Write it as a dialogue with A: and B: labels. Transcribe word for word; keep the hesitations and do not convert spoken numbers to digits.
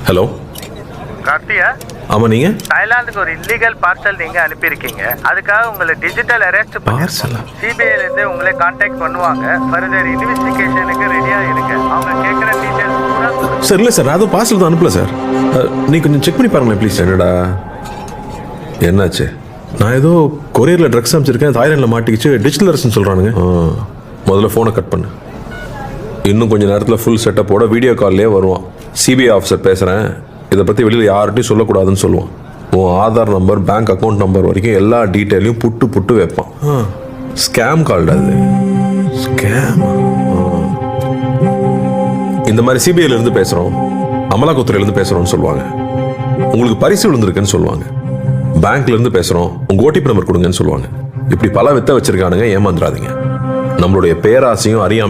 A: Hello
B: கார்த்தியா?
A: ஆமா, நீங்க
B: தாய்லாந்துக்கு ஒரு இல்லீகல் பார்சல் நீங்க அனுப்பியிருக்கீங்க. அதுக்காக உங்களை டிஜிட்டல் அரெஸ்ட்
A: பார்சலா?
B: சிபிஐல இருந்து உங்களை கான்டாக்ட் பண்ணுவாங்க. ஃபர்தர் இன்வெஸ்டிகேஷனுக்கு ரெடியா இருங்க. அவங்க கேட்குற டீடைல்ஸ் பூரா
A: சார் இல்லை சார், நான் அதுவும் பார்சல் தான் அனுப்பல சார். அஹ், நீ கொஞ்சம் செக் பண்ணி பாருங்களேன் ப்ளீஸ். என்னடா என்னாச்சு? நான் ஏதோ கொரியரில் ட்ரக்ஸ் அனுப்பிச்சிருக்கேன், தாய்லாண்டில் மாட்டிக்கிச்சு, டிஜிட்டல் அரெஸ்ட்னு சொல்கிறானுங்க. முதல்ல ஃபோனை கட் பண்ணு. இன்னும் கொஞ்சம் நேரத்தில் ஃபுல் செட்டப்போட வீடியோ கால்லே வருவான். சிபிஐ ஆஃபீஸர் பேசுகிறேன், இதை பற்றி வெளியில் யார்கிட்டையும் சொல்லக்கூடாதுன்னு சொல்லுவான். உன் Aadhaar number, bank account number வரைக்கும் எல்லா டீட்டெயிலையும் புட்டு புட்டு வைப்பான். ஸ்கேம் கால்டு அது. ஸ்கேம். இந்த மாதிரி சிபிஐல இருந்து பேசுகிறோம், அமலாக்கத்துறையிலேருந்து பேசுகிறோம்னு சொல்லுவாங்க. உங்களுக்கு பரிசு விழுந்திருக்குன்னு சொல்லுவாங்க. பேங்க்ல இருந்து பேசுகிறோம், உங்கள் ஓடிபி நம்பர் கொடுங்கன்னு சொல்லுவாங்க. இப்படி பல வித்த வச்சிருக்கானுங்க, ஏமாந்துடாதீங்க. நம்மளுடைய பேராசையும் அறியாம